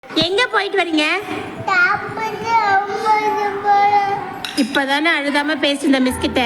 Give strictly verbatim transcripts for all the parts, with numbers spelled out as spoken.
எங்க போயிட்டு வரீங்க? இப்பதானே அழுதாம பேசுன மிஸ் கிட்ட.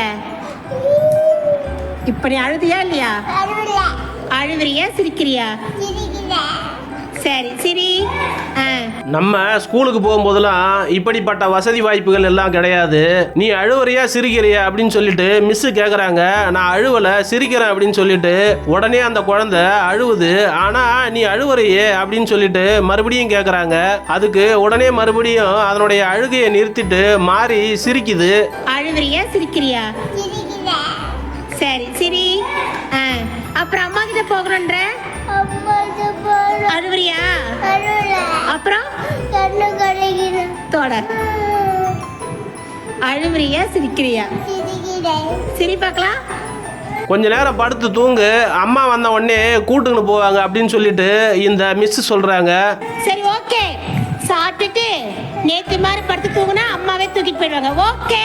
இப்ப நீ அழுதியா இல்லையா? அழுவுறியா சிரிக்கிறியா? சரி சரி. நம்ம ஸ்கூலுக்கு போகும்போதெல்லாம் இப்படிப்பட்ட வசதி வாய்ப்புகள் எல்லாம் கிடையாது. நீ அழுவுறியா சிரிக்கிறியா அப்படின்னு சொல்லிட்டு மிஸ்ஸு கேட்குறாங்க. நான் அழுவலை சிரிக்கிறேன் அப்படின்னு சொல்லிட்டு உடனே அந்த குழந்தை அழுவுது. ஆனால் நீ அழுவுறியே அப்படின்னு சொல்லிட்டு மறுபடியும் கேட்குறாங்க. அதுக்கு உடனே மறுபடியும் அதனுடைய அழுகையை நிறுத்திட்டு மாறி சிரிக்குது. அழுவுறியா சிரிக்கிறியா? சரி சரி. அப்புறம் அம்மா கிட்ட போகணுன்ற அழுவுறியா? அப்புறம் தொடர். அழுவுறியா சிரிக்கிறியா? சிரி பார்க்கலாம். கொஞ்ச நேரம் படுத்து தூங்கு, அம்மா வந்த உடனே கூட்டுன்னு போவாங்க அப்படின்னு சொல்லிட்டு இந்த மிஸ் சொல்றாங்க. சரி ஓகே. சாப்பிட்டுட்டு நேத்து மாதிரி படுத்து தூங்குனா அம்மாவே தூக்கிட்டு போயிடுவாங்க. ஓகே.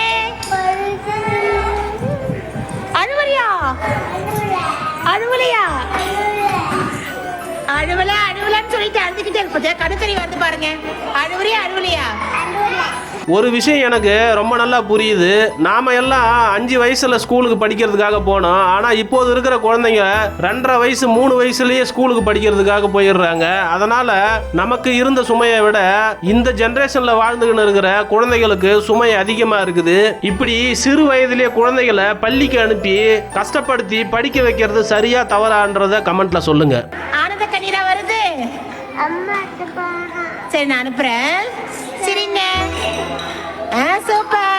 அழுவறியா? அழுவலையா? அழுவல அழுவலன்னு சொல்லிட்டு அழுதுகிட்டே இருப்பது கடுக்கறி வந்து பாருங்க. அழுவறியா அழுவலையா? ஒரு விஷயம் எனக்கு ரொம்ப நல்லா புரியுது. நாம எல்லாம் அஞ்சு வயசுல ஸ்கூலுக்கு படிக்கிறதுக்காக போனோம். ஆனா இப்போது இருக்கிற குழந்தைங்க ரெண்டரை வயசு மூணு வயசுலயே ஸ்கூலுக்கு படிக்கிறதுக்காக போயிடுறாங்க. அதனால நமக்கு இருந்த சுமையை விட இந்த ஜெனரேஷன்ல வாழ்ந்துகிட்டு இருக்கிற குழந்தைகளுக்கு சுமை அதிகமா இருக்குது. இப்படி சிறு வயதிலேயே குழந்தைகளை பள்ளிக்கு அனுப்பி கஷ்டப்படுத்தி படிக்க வைக்கிறது சரியா தவறான்றத கமெண்ட்ல சொல்லுங்க. ஆனந்த கண்ணீரா வருது. சரி நான் அனுப்புறேன். சரிங்க. சூப்பர்.